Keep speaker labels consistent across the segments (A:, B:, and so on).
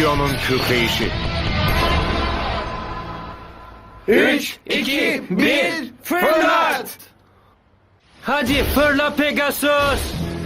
A: Leon'un kükreyişi.
B: 3, 2, 1, fırlat!
C: Hadi fırla Pegasus.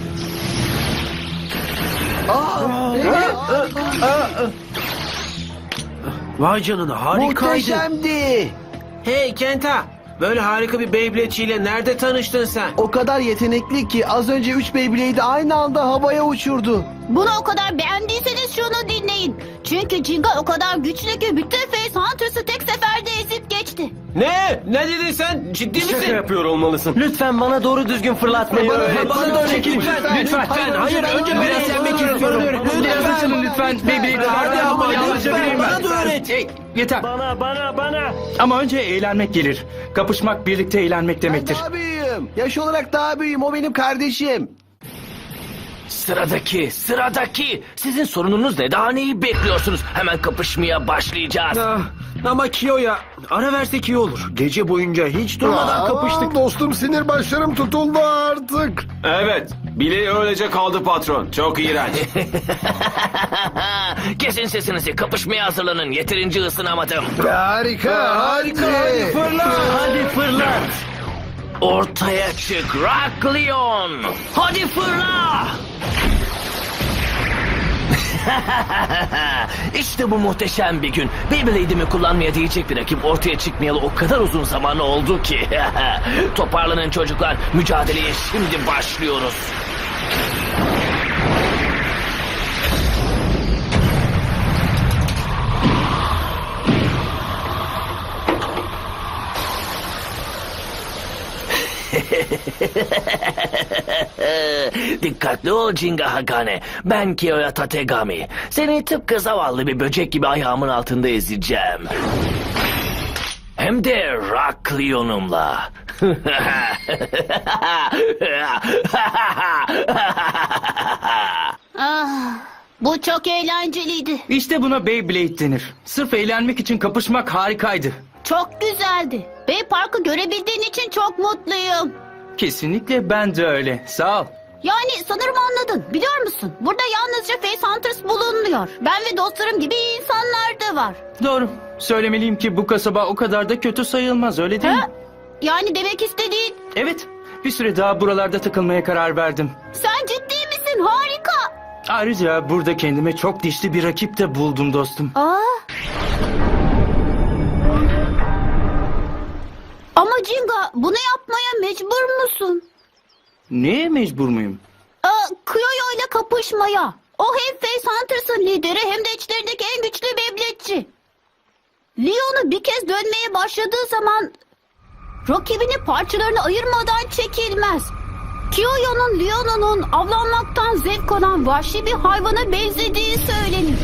C: Vay canına, harikaydı.
D: Muhteşemdi.
C: Hey Kenta, böyle harika bir Beyblade'çiyle nerede tanıştın sen?
D: O kadar yetenekli ki az önce 3 Beyblade'i aynı anda havaya uçurdu.
E: Bunu o kadar beğendiyseniz şunu dinleyin. Çünkü Jinga o kadar güçlü ki bütün Face Hunters'ı tek seferde ezip geçti.
C: Ne? Ne dedin sen? Ciddi misin?
B: Şaka yapıyor olmalısın.
C: Lütfen bana doğru düzgün fırlatmayı öğret.
D: bana da öğret,
C: Lütfen. Hayır, önce ben öğrenmek istiyorum.
B: Biraz açılın lütfen. Beyblade'i
C: Hadi ama
B: yalnızca vereyim ben.
C: bana da öğret.
B: Hey, yeter.
F: Bana.
B: Ama önce eğlenmek gelir. Kapışmak birlikte eğlenmek
D: Ben
B: demektir.
D: daha büyüğüm. Yaş olarak daha büyüğüm. O benim kardeşim.
F: Sıradaki. Sizin sorununuz ne? Daha neyi bekliyorsunuz? Hemen kapışmaya başlayacağız.
C: Ama Kiyo'ya ara versek iyi olur. Gece boyunca hiç durmadan kapıştık.
A: Dostum, sinir başlarım tutuldu artık.
B: Evet. Bileği öylece kaldı patron. Çok iğrenç.
F: Kesin sesinizi. Kapışmaya hazırlanın. Yeterince ısınamadım.
A: Harika.
F: Hadi fırlat. Ortaya çık Rock Leon. Hadi fırla. İşte bu muhteşem bir gün. Beyblade'imi kullanmaya değecek bir rakip ortaya çıkmayalı o kadar uzun zaman oldu ki. Toparlanın çocuklar. Mücadeleye şimdi başlıyoruz. Dikkatli ol Jinga Hagane. Ben Kiyoya Tategami. Seni tıpkı zavallı bir böcek gibi ayağımın altında ezeceğim. Hem de Rock Leon'umla.
E: Bu çok eğlenceliydi.
B: İşte buna Beyblade denir. Sırf eğlenmek için kapışmak harikaydı.
E: Çok güzeldi. Bay Park'ı görebildiğin için çok mutluyum.
B: Kesinlikle ben de öyle. Sağ ol.
E: Yani sanırım anladın. Biliyor musun? Burada yalnızca Face Hunters bulunmuyor. Ben ve dostlarım gibi iyi insanlar da var.
B: Doğru. Söylemeliyim ki bu kasaba o kadar da kötü sayılmaz, öyle değil mi?
E: Ha? Yani demek istediğin...
B: Evet. Bir süre daha buralarda takılmaya karar verdim.
E: Sen ciddi misin? Harika.
B: Ayrıca burada kendime çok dişli bir rakip de buldum dostum.
E: Ama Jinga, bunu yapmaya mecbur musun?
B: Neye mecbur muyum?
E: Kiyoyo ile kapışmaya. O hem Face Hunters'ın lideri hem de içlerindeki en güçlü Beyblade'çi. Leon'u bir kez dönmeye başladığı zaman rakibini parçalarına ayırmadan çekilmez. Kiyoyo'nun Leon'un avlanmaktan zevk alan vahşi bir hayvana benzediği söylenir.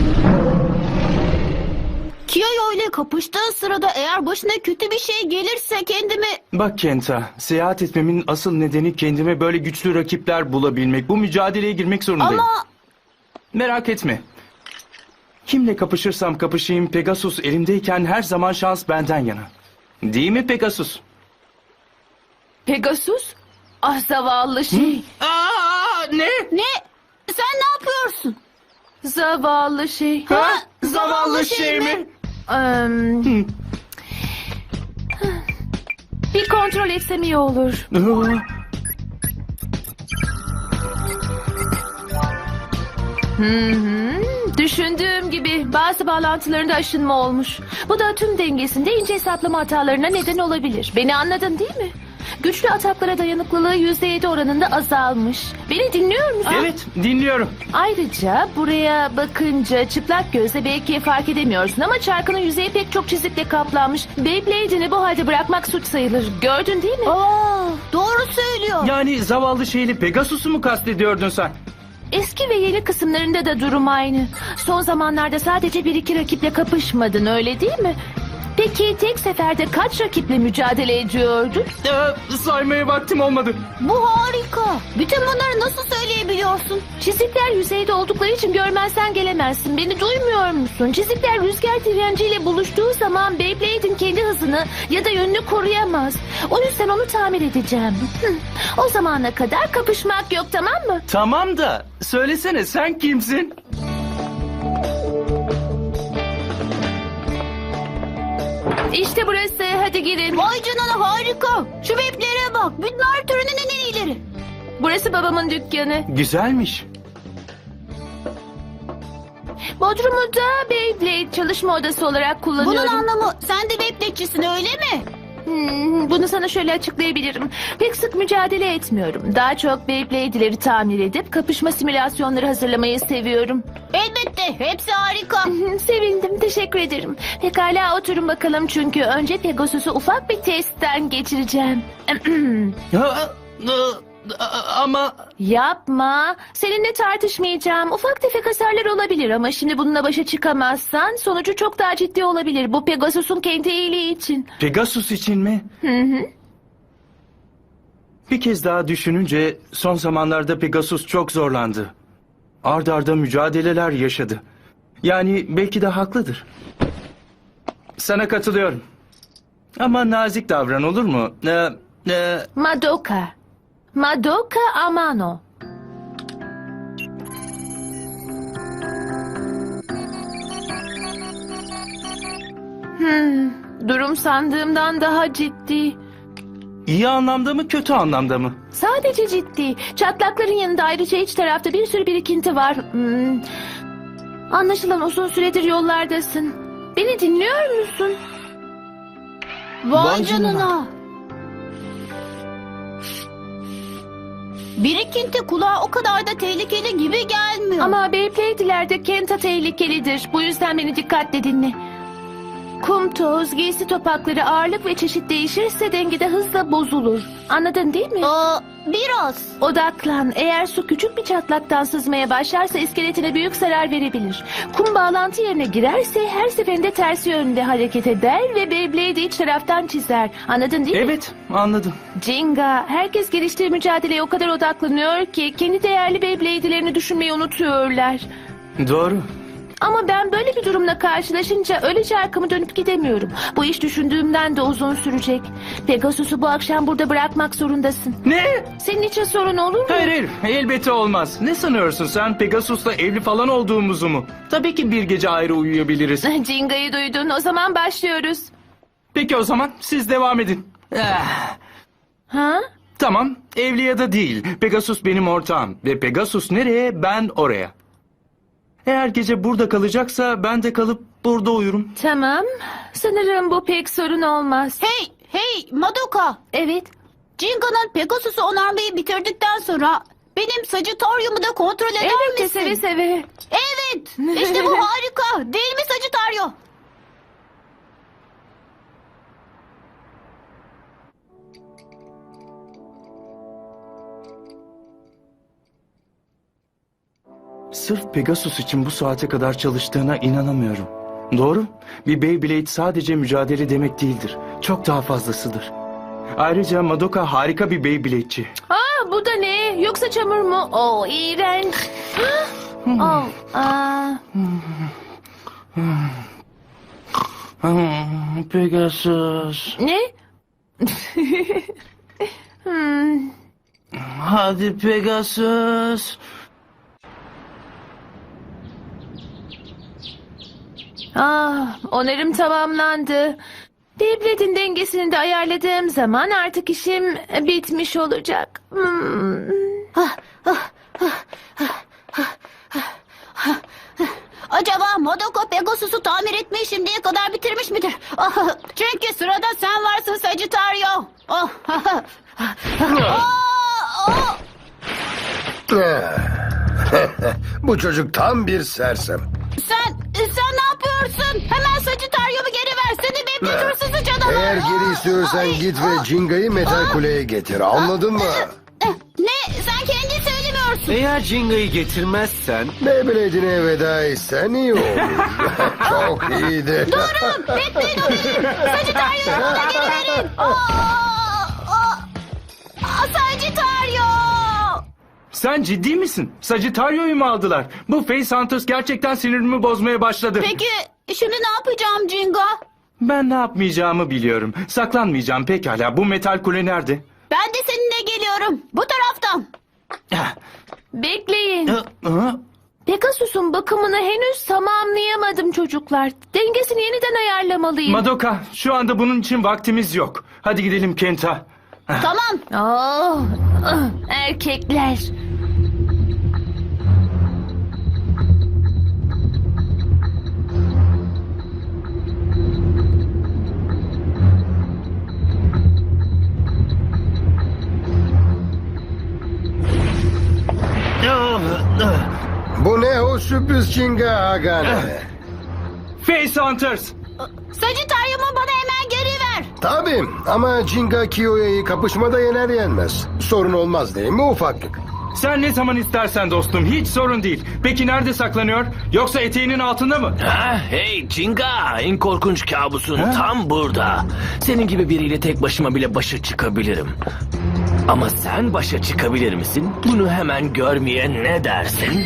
E: Kiyoyo ile kapıştığı sırada eğer başına kötü bir şey gelirse kendimi...
B: Bak Kenta, seyahat etmemin asıl nedeni kendime böyle güçlü rakipler bulabilmek. Bu mücadeleye girmek zorundayım.
E: Ama
B: Merak etme. Kimle kapışırsam kapışayım Pegasus elimdeyken her zaman şans benden yana. Değil mi Pegasus?
G: Pegasus? Ah zavallı şey.
B: Ne?
E: ne? Sen ne yapıyorsun?
G: Zavallı şey.
B: Zavallı şey mi?
G: Bir kontrol etsem iyi olur. Düşündüğüm gibi bazı bağlantılarında aşınma olmuş. Bu da tüm dengesinde ince hesaplama hatalarına neden olabilir. Beni anladın değil mi? Güçlü ataklara dayanıklılığı %7 oranında azalmış. Beni dinliyor musun?
B: Evet, dinliyorum.
G: Ayrıca buraya bakınca çıplak gözle belki fark edemiyorsun ama çarkının yüzeyi pek çok çizikle kaplanmış. Beyblade'ini bu halde bırakmak suç sayılır. Gördün değil mi?
E: Doğru söylüyor.
B: Yani zavallı şeyli Pegasus'u mu kastediyordun sen?
G: Eski ve yeni kısımlarında da durum aynı. Son zamanlarda sadece bir iki rakiple kapışmadın, öyle değil mi? Peki tek seferde kaç rakiple mücadele ediyordun?
B: Saymaya vaktim olmadı.
E: Bu harika. Bütün bunları nasıl söyleyebiliyorsun?
G: Çizikler yüzeyde oldukları için görmezsen gelemezsin. Beni duymuyor musun? Çizikler rüzgar direnciyle buluştuğu zaman Beyblade'in kendi hızını ya da yönünü koruyamaz. O yüzden onu tamir edeceğim. O zamana kadar kapışmak yok, tamam mı?
B: Tamam da söylesene sen kimsin?
G: İşte burası. Hadi girin.
E: Vay canına harika. Şu beplere bak. Bunlar türünün en iyileri.
G: Burası babamın dükkanı.
B: Güzelmiş.
G: Bodrumu da Beyblade çalışma odası olarak kullanıyorum.
E: Bunun anlamı sen de Beyblade'cisin öyle mi?
G: Bunu sana şöyle açıklayabilirim. Pek sık mücadele etmiyorum. Daha çok Beyblade'leri tamir edip kapışma simülasyonları hazırlamayı seviyorum.
E: Elbette. Hepsi harika.
G: Sevindim, teşekkür ederim. Pekala oturun bakalım çünkü önce Pegasus'u ufak bir testten geçireceğim.
B: Ama
G: Yapma. Seninle tartışmayacağım. Ufak tefek hasarlar olabilir ama şimdi bununla başa çıkamazsan sonucu çok daha ciddi olabilir. Bu Pegasus'un kendi iyiliği için.
B: Pegasus için mi? Bir kez daha düşününce son zamanlarda Pegasus çok zorlandı. Ard arda mücadeleler yaşadı. Yani belki de haklıdır. Sana katılıyorum. Ama nazik davran olur mu?
G: Madoka. Madoka Amano. Durum sandığımdan daha ciddi.
B: İyi anlamda mı kötü anlamda mı?
G: Sadece ciddi. Çatlakların yanında ayrıca iç tarafta bir sürü birikinti var. Anlaşılan uzun süredir yollardasın. Beni dinliyor musun?
E: Vay canına. Birikinti kulağa o kadar da tehlikeli gibi gelmiyor.
G: Ama Beyblade'lerde Kenta tehlikelidir. Bu yüzden beni dikkatle dinle. Kum, toz, giysi topakları, ağırlık ve çeşit değişirse dengede hızla bozulur. Anladın değil mi?
E: Biraz.
G: Odaklan. Eğer su küçük bir çatlaktan sızmaya başlarsa iskeletine büyük zarar verebilir. Kum bağlantı yerine girerse her seferinde tersi yönde hareket eder ve Beyblade'i iç taraftan çizer. Anladın değil mi?
B: Evet, anladım.
G: Jinga, herkes geliştiği mücadeleye o kadar odaklanıyor ki kendi değerli Beyblade'lerini düşünmeyi unutuyorlar.
B: Doğru.
G: Ama ben böyle bir durumla karşılaşınca öylece arkamı dönüp gidemiyorum. Bu iş düşündüğümden de uzun sürecek. Pegasus'u bu akşam burada bırakmak zorundasın.
B: Ne?
G: Senin için sorun olur mu?
B: Hayır, elbette olmaz. Ne sanıyorsun sen, Pegasus'la evli falan olduğumuzu mu? Tabii ki bir gece ayrı uyuyabiliriz.
G: Jinga'yı duydun. O zaman başlıyoruz.
B: Peki o zaman siz devam edin.
G: Ha?
B: Tamam, evli ya da değil. Pegasus benim ortağım. Ve Pegasus nereye, ben oraya. Eğer gece burada kalacaksa ben de kalıp burada uyurum.
G: Tamam. Sanırım bu pek sorun olmaz.
E: Hey Madoka.
G: Evet.
E: Jinga'nın Pegasus'u onarmayı bitirdikten sonra benim Sagittarium'u da kontrol eder
G: Elbette
E: misin?
G: seve seve.
E: Evet. İşte bu harika. Değil mi Sagittario?
B: Sırf Pegasus için bu saate kadar çalıştığına inanamıyorum. Doğru, bir Beyblade sadece mücadele demek değildir. Çok daha fazlasıdır. Ayrıca Madoka harika bir Beyblade'ci.
G: Bu da ne? Yoksa çamur mu? İğrenç.
B: Pegasus.
G: Ne?
B: Hadi Pegasus.
G: Onarım tamamlandı. Beyblade'in dengesini de ayarladığım zaman artık işim bitmiş olacak.
E: Acaba Madoka Pegasus'u tamir etmeyi şimdiye kadar bitirmiş midir? Çünkü sırada sen varsın Sagittario.
A: Bu çocuk tam bir sersem.
E: Sen ne yapıyorsun? Hemen Sagittario'mu geri ver. Seni Beyblade hırsızı canavar.
A: Eğer geri istiyorsan git ve Jinga'yı metal kuleye getir. Anladın mı?
E: Ne? Sen kendin söylemiyorsun.
C: Eğer Jinga'yı getirmezsen
A: Beyblade'ine veda etsen iyi olur. Çok iyiydi.
E: Durun. Bekleyin o benim. Sagittario'mu bana geri verin. Sagittario.
B: Sen ciddi misin? Sagittario'yu mu aldılar? Bu Face Hunters gerçekten sinirimi bozmaya başladı.
E: Peki şimdi ne yapacağım Jinga?
B: Ben ne yapmayacağımı biliyorum. Saklanmayacağım pekala. Bu metal kule nerede?
E: Ben de seninle geliyorum. Bu taraftan.
G: Bekleyin. Pegasus'un bakımını henüz tamamlayamadım çocuklar. Dengesini yeniden ayarlamalıyım.
B: Madoka, şu anda bunun için vaktimiz yok. Hadi gidelim Kenta.
E: Tamam.
G: Erkekler.
A: Bu ne o sürpriz Jinga Agane?
B: Face Hunters!
E: Sagittarium'u bana hemen geri ver.
A: Tabii ama Jinga Kiyoya'yı kapışmada yener yenmez. Sorun olmaz değil mi ufaklık?
B: Sen ne zaman istersen dostum, hiç sorun değil. Peki nerede saklanıyor? Yoksa eteğinin altında mı?
F: Ha, hey Jinga, en korkunç kabusun tam burada. Senin gibi biriyle tek başıma bile başa çıkabilirim. Ama sen başa çıkabilir misin? Bunu hemen görmeye ne dersin?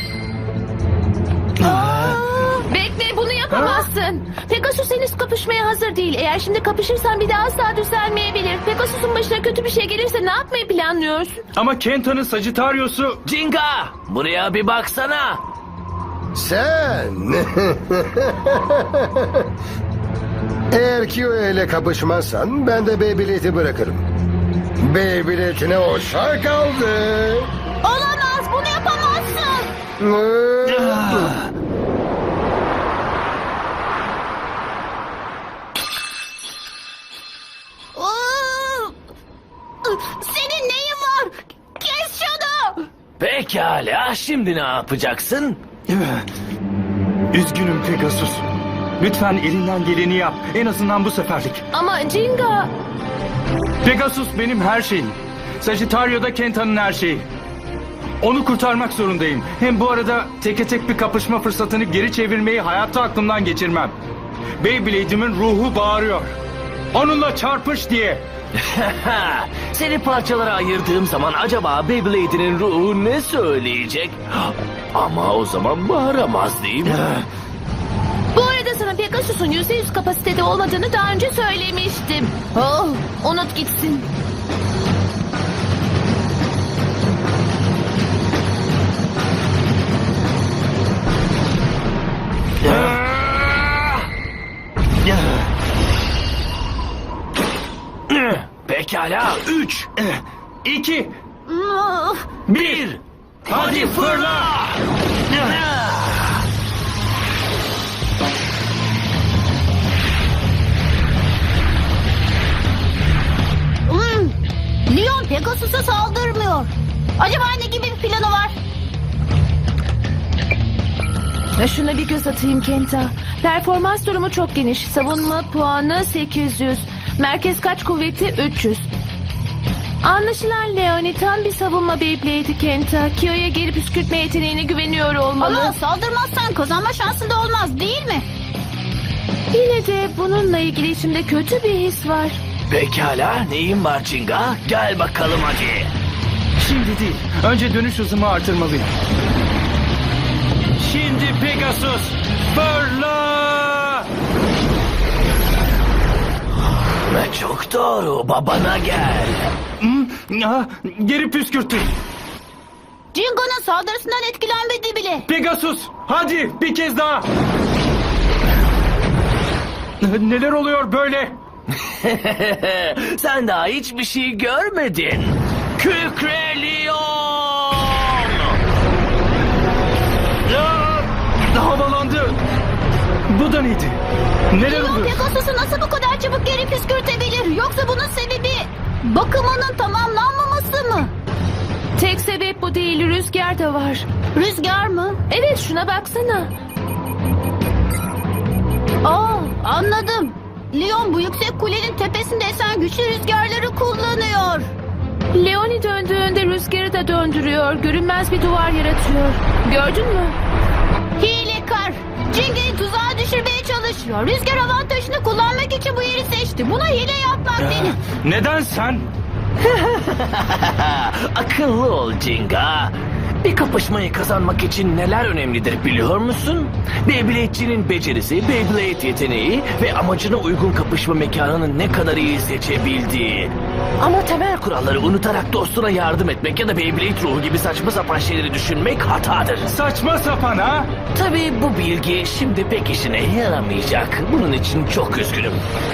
G: Bekle, bunu yapamazsın. Pegasus henüz kapışmaya hazır değil. Eğer şimdi kapışırsan bir daha asla düzelmeyebilir. Pegasus'un başına kötü bir şey gelirse ne yapmayı planlıyorsun?
B: Ama Kenta'nın Sagittarius'u...
F: Jinga, buraya bir baksana.
A: Sen! Eğer Kiyoya ile kapışmazsan ben de Beyblade'i bırakırım. Beyblade'ine hoşça kaldı.
E: Olamaz, bunu yapamazsın. Senin neyin var? Kes şunu.
F: Pekala, şimdi ne yapacaksın?
B: Üzgünüm Pegasus. Lütfen elinden geleni yap. En azından bu seferlik.
G: Ama Jinga...
B: Pegasus benim her şeyim. Sagittario da Kenta'nın her şeyi. Onu kurtarmak zorundayım. Hem bu arada teke tek bir kapışma fırsatını geri çevirmeyi hayatta aklımdan geçirmem. Beyblade'imin ruhu bağırıyor. Onunla çarpış diye.
F: Seni parçalara ayırdığım zaman acaba Beyblade'inin ruhu ne söyleyecek? Ama o zaman bağıramaz değil mi?
G: Bu arada sana Pegasus'un %100 kapasitede olmadığını daha önce söylemiştim. Oh, unut gitsin.
F: Pekala, 3,
B: 2,
F: 1, hadi fırla!
E: Leon Pegasus'a saldırmıyor. Acaba ne gibi bir planı var?
G: Şuna bir göz atayım Kenta. Performans durumu çok geniş. Savunma puanı 800. Merkez kaç kuvveti 300. Anlaşılan Leoni tam bir savunma Beyblade'i Kenta. Kiyo'ya geri püskürtme yeteneğine güveniyor olmalı.
E: Ama saldırmazsan kazanma şansı da olmaz değil mi?
G: Yine de bununla ilgili içimde kötü bir his var.
F: Pekala, neyin var Jinga? Gel bakalım hadi.
B: şimdi değil. Önce dönüş hızımı artırmalıyım. Şimdi Pegasus, fırla!
F: Ve çok doğru, babana gel.
B: Geri püskürttü.
E: Jingo'nun saldırısından etkilenmedi bile.
B: Pegasus, hadi bir kez daha. Neler oluyor böyle?
F: Sen daha hiçbir şey görmedin. Kükre Leon!
B: Havalandı. Bu da neydi? Neler
E: Leon
B: oluyor?
E: Pegasus'u nasıl bu kadar çabuk geri püskürtebilir? Yoksa bunun sebebi bakımının tamamlanmaması mı?
G: Tek sebep bu değil, rüzgar da var.
E: Rüzgar mı?
G: Evet, şuna baksana.
E: Anladım. Leon bu yüksek kulenin tepesinde esen güçlü rüzgarları kullanıyor.
G: Leoni döndüğünde rüzgarı da döndürüyor. Görünmez bir duvar yaratıyor. Gördün mü?
E: Hilekar. Jinga'yı tuzağa düşürmeye çalışıyor. Rüzgar avantajını kullanmak için bu yeri seçti. Buna hile yapmak denir.
B: Neden sen?
F: Akıllı ol Jinga. Bir kapışmayı kazanmak için neler önemlidir biliyor musun? Beyblade'cinin becerisi, Beyblade yeteneği ve amacına uygun kapışma mekanını ne kadar iyi seçebildiği. Ama temel kuralları unutarak dostuna yardım etmek ya da Beyblade ruhu gibi saçma sapan şeyleri düşünmek hatadır.
B: Saçma sapan ha?
F: Tabii bu bilgi şimdi pek işine yaramayacak. Bunun için çok üzgünüm.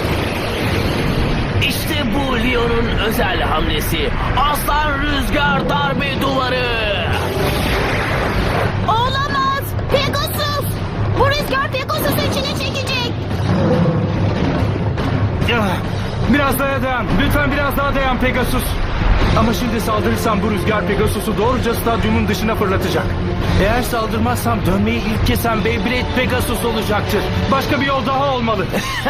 F: İşte bu Leon'un özel hamlesi. Aslan rüzgar darbe duvarı.
E: Olamaz. Pegasus. Bu rüzgar Pegasus'u içine çekecek.
B: Ah, biraz daha dayan. Lütfen biraz daha dayan Pegasus. Ama şimdi saldırırsam bu rüzgar Pegasus'u doğruca stadyumun dışına fırlatacak. Eğer saldırmazsam dönmeyi ilk kesen Beyblade Pegasus olacaktır. Başka bir yol daha olmalı.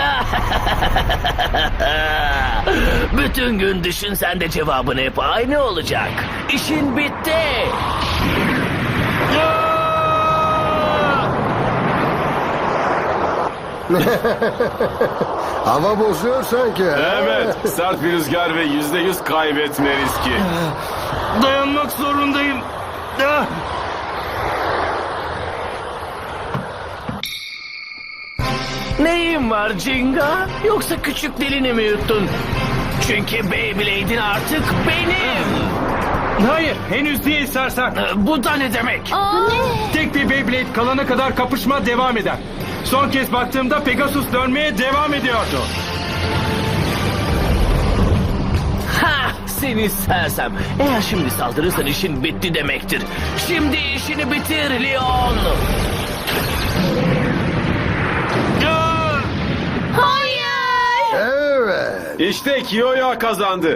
F: Bütün gün düşünsen de cevabın hep aynı olacak. İşin bitti.
A: Hava bozuyor sanki.
H: Evet, sert bir rüzgar ve %100 kaybetme riski.
B: Dayanmak zorundayım. Ah!
F: Neyin var Jinga? Yoksa küçük dilini mi yuttun? Çünkü Beyblade'in artık benim.
B: Hayır, henüz değil sersem.
F: Bu da ne demek?
B: Tek bir Beyblade kalana kadar kapışma devam eder. Son kez baktığımda Pegasus dönmeye devam ediyordu.
F: Ha, seni sersem. Eğer şimdi saldırırsan işin bitti demektir. Şimdi işini bitir Leon.
E: Hayır.
A: Evet.
H: İşte Kiyoya kazandı.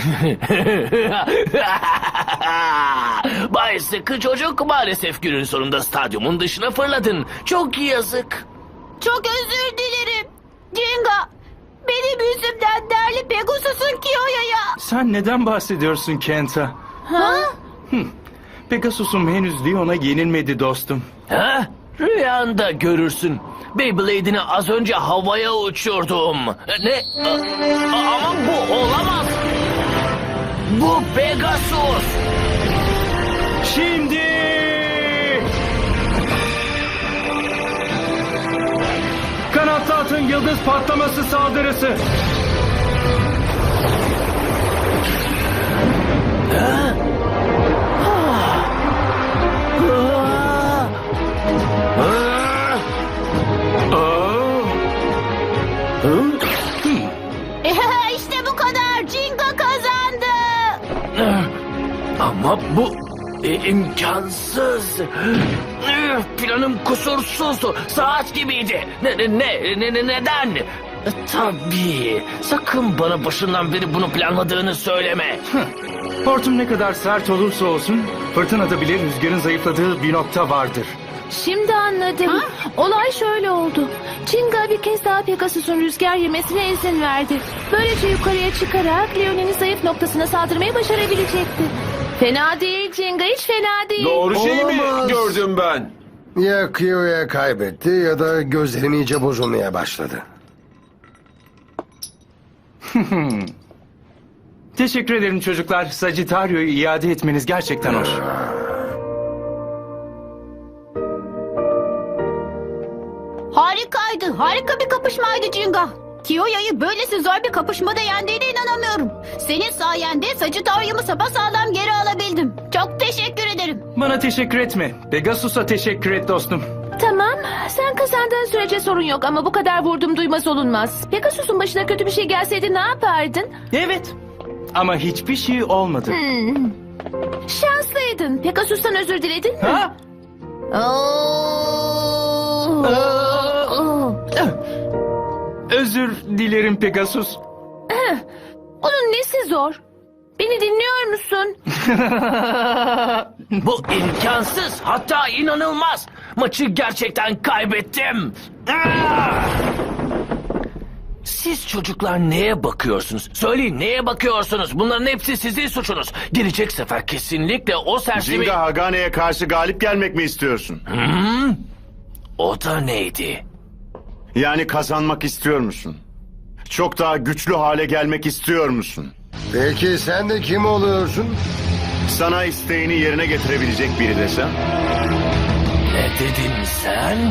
F: Bay Sıkı Çocuk, maalesef günün sonunda stadyumun dışına fırladın. Çok yazık.
E: Çok özür dilerim. Jinga. Benim yüzümden değerli Pegasus'un Kiyo'ya.
B: Sen neden bahsediyorsun Kenta?
E: Ha?
B: Pegasus'um henüz Leon'a yenilmedi dostum.
F: Ha? Rüyanda görürsün. Beyblade'ini az önce havaya uçurdum. Ne? Ama bu olamaz. Bu Pegasus.
B: Şimdi! Kanatlı atın yıldız patlaması saldırısı.
E: İşte bu kadar. Jinga kazandı.
F: Ama bu imkansız. Planım kusursuzdu. Saat gibiydi. Neden? Tabii. Sakın bana başından beri bunu planladığını söyleme.
B: Hortum ne kadar sert olursa olsun fırtınada bile rüzgarın zayıfladığı bir nokta vardır.
G: Şimdi anladım. Olay şöyle oldu. Jinga bir kez daha Pegasus'un rüzgar yemesine izin verdi. Böylece yukarıya çıkarak Leon'un zayıf noktasına saldırmayı başarabilecekti. Fena değil Jinga, hiç fena değil.
H: Doğru şey mi
A: Olamaz.
H: gördüm ben?
A: Ya Kiyo'ya kaybetti ya da gözlerim iyice bozulmaya başladı.
B: Teşekkür ederim çocuklar. Sagittario'yu iade etmeniz gerçekten hoş.
E: Harikaydı. Harika bir kapışmaydı Jinga. Kiyo'ya'yı böylesi zor bir kapışmada yendiğine inanamıyorum. Senin sayende Sagittarium'u sapasağlam geri alabildim. Çok teşekkür ederim.
B: Bana teşekkür etme. Pegasus'a teşekkür et dostum.
G: Tamam, sen kazandığın sürece sorun yok ama bu kadar vurdum duymaz olunmaz. Pegasus'un başına kötü bir şey gelseydi ne yapardın?
B: Evet. Ama hiçbir şey olmadı.
G: Şanslıydın. Pegasus'tan özür diledin mi?
B: Ha? Özür dilerim Pegasus.
G: Onun nesi zor? Beni dinliyor musun?
F: Bu imkansız, hatta inanılmaz. Maçı gerçekten kaybettim. Siz çocuklar neye bakıyorsunuz? Söyleyin, neye bakıyorsunuz? Bunların hepsi sizin suçunuz. Gelecek sefer kesinlikle o sersemi...
I: Jinga Hagane'ye karşı galip gelmek mi istiyorsun?
F: O da neydi?
I: Yani kazanmak istiyor musun? Çok daha güçlü hale gelmek istiyor musun?
A: Peki sen de kim oluyorsun?
I: Sana isteğini yerine getirebilecek biri desem?
F: Ne dedin sen?